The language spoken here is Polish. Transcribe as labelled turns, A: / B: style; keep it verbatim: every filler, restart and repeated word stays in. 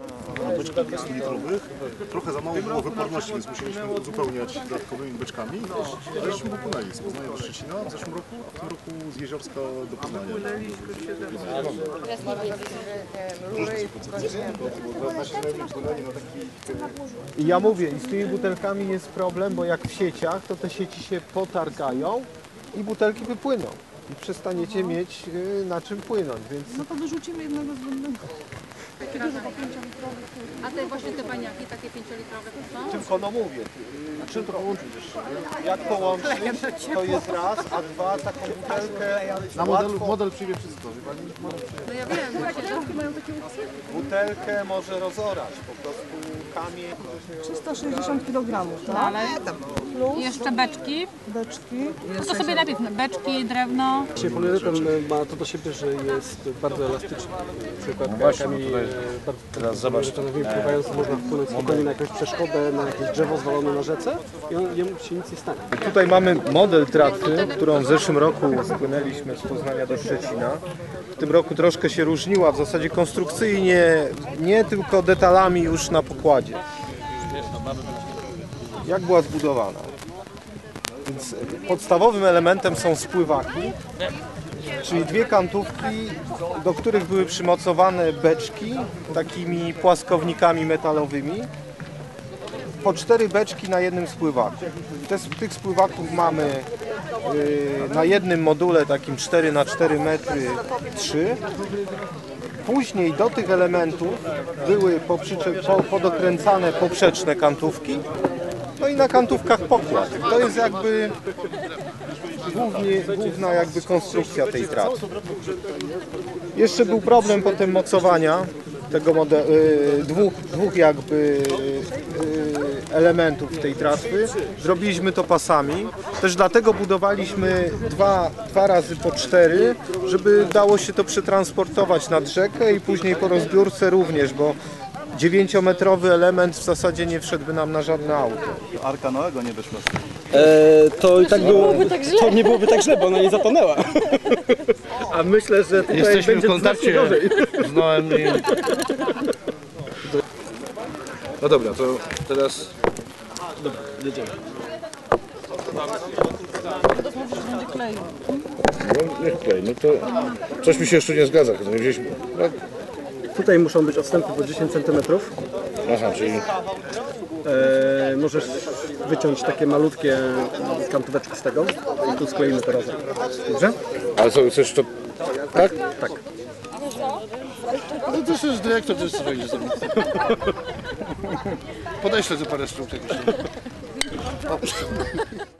A: na beczkach dwustu litrowych. Trochę za mało było wyporności, więc musieliśmy uzupełniać dodatkowymi beczkami. W zeszłym roku płynęli z Poznania do Szczecina, w zeszłym roku, a w tym roku z Jeziorska do Poznania.
B: I ja mówię, i z tymi butelkami jest problem, bo jak w sieciach, to te sieci się potargają i butelki wypłyną. I przestaniecie mieć y, na czym płynąć, więc...
C: No to wyrzucimy jednego zbędnego.
D: A te właśnie te baniaki, takie pięciolitrowe to są?
B: Tylko no mówię, y, czym to połączyć jeszcze? Jak połączyć, to jest raz, a dwa taką butelkę...
A: Na modelu, model przyjmie wszystko.
D: No ja wiem, właśnie, że
B: Butelkę może rozorać, po prostu kamień...
C: trzysta sześćdziesiąt kilogramów, tak?
D: ale jeszcze beczki.
C: Beczki.
D: No to sobie napisz, beczki, drewno.
E: Poliuretan ma to do siebie, że jest bardzo elastyczny. Na przykład no kajakami bardzo poliuretanowymi pływając można wpłynąć spokojnie na jakąś przeszkodę, na jakieś drzewo zwalone na rzece i on, jemu się nic nie stanie.
B: Tutaj mamy model tratwy, którą w zeszłym roku spłynęliśmy z Poznania do Szczecina. W tym roku troszkę się różniła, w zasadzie konstrukcyjnie, nie tylko detalami już na pokładzie. Jak była zbudowana? Więc podstawowym elementem są spływaki, czyli dwie kantówki, do których były przymocowane beczki takimi płaskownikami metalowymi. Po cztery beczki na jednym spływaku. Te, tych spływaków mamy yy, na jednym module takim cztery na cztery metry trzy. Później do tych elementów były poprzycze- po, podokręcane poprzeczne kantówki. No i na kantówkach pokład. To jest jakby głównie, główna jakby konstrukcja tej tratwy. Jeszcze był problem potem mocowania tego modelu, y, dwóch, dwóch jakby y, elementów tej tratwy. Zrobiliśmy to pasami. Też dlatego budowaliśmy dwa, dwa razy po cztery, żeby dało się to przetransportować nad rzekę i później po rozbiórce również, bo dziewięciometrowy element w zasadzie nie wszedłby nam na żadne auto.
A: Arka Noego nie wyszła.
E: E, to i tak było, to nie byłoby tak źle, bo ona nie zatonęła.
B: A myślę, że tutaj
F: Jesteśmy
B: będzie
F: w kontakcie z Noem i... No dobra, to teraz...
E: Dobra, jedziemy.
C: Będzie kleił.
F: No niech klej, no to... Coś mi się jeszcze nie zgadza, nie wzięliśmy... No,
E: Tutaj muszą być odstępy po dziesięć centymetrów.
F: aha, czyli...
E: E, możesz wyciąć takie malutkie kantóweczki z tego i tu skleimy to razem. Dobrze?
F: Ale co, chcesz to... Tak?
E: Tak.
F: No to jest dyrektor, to jest co wejdzie sobie. Podeślę za parę sztuk jakichś.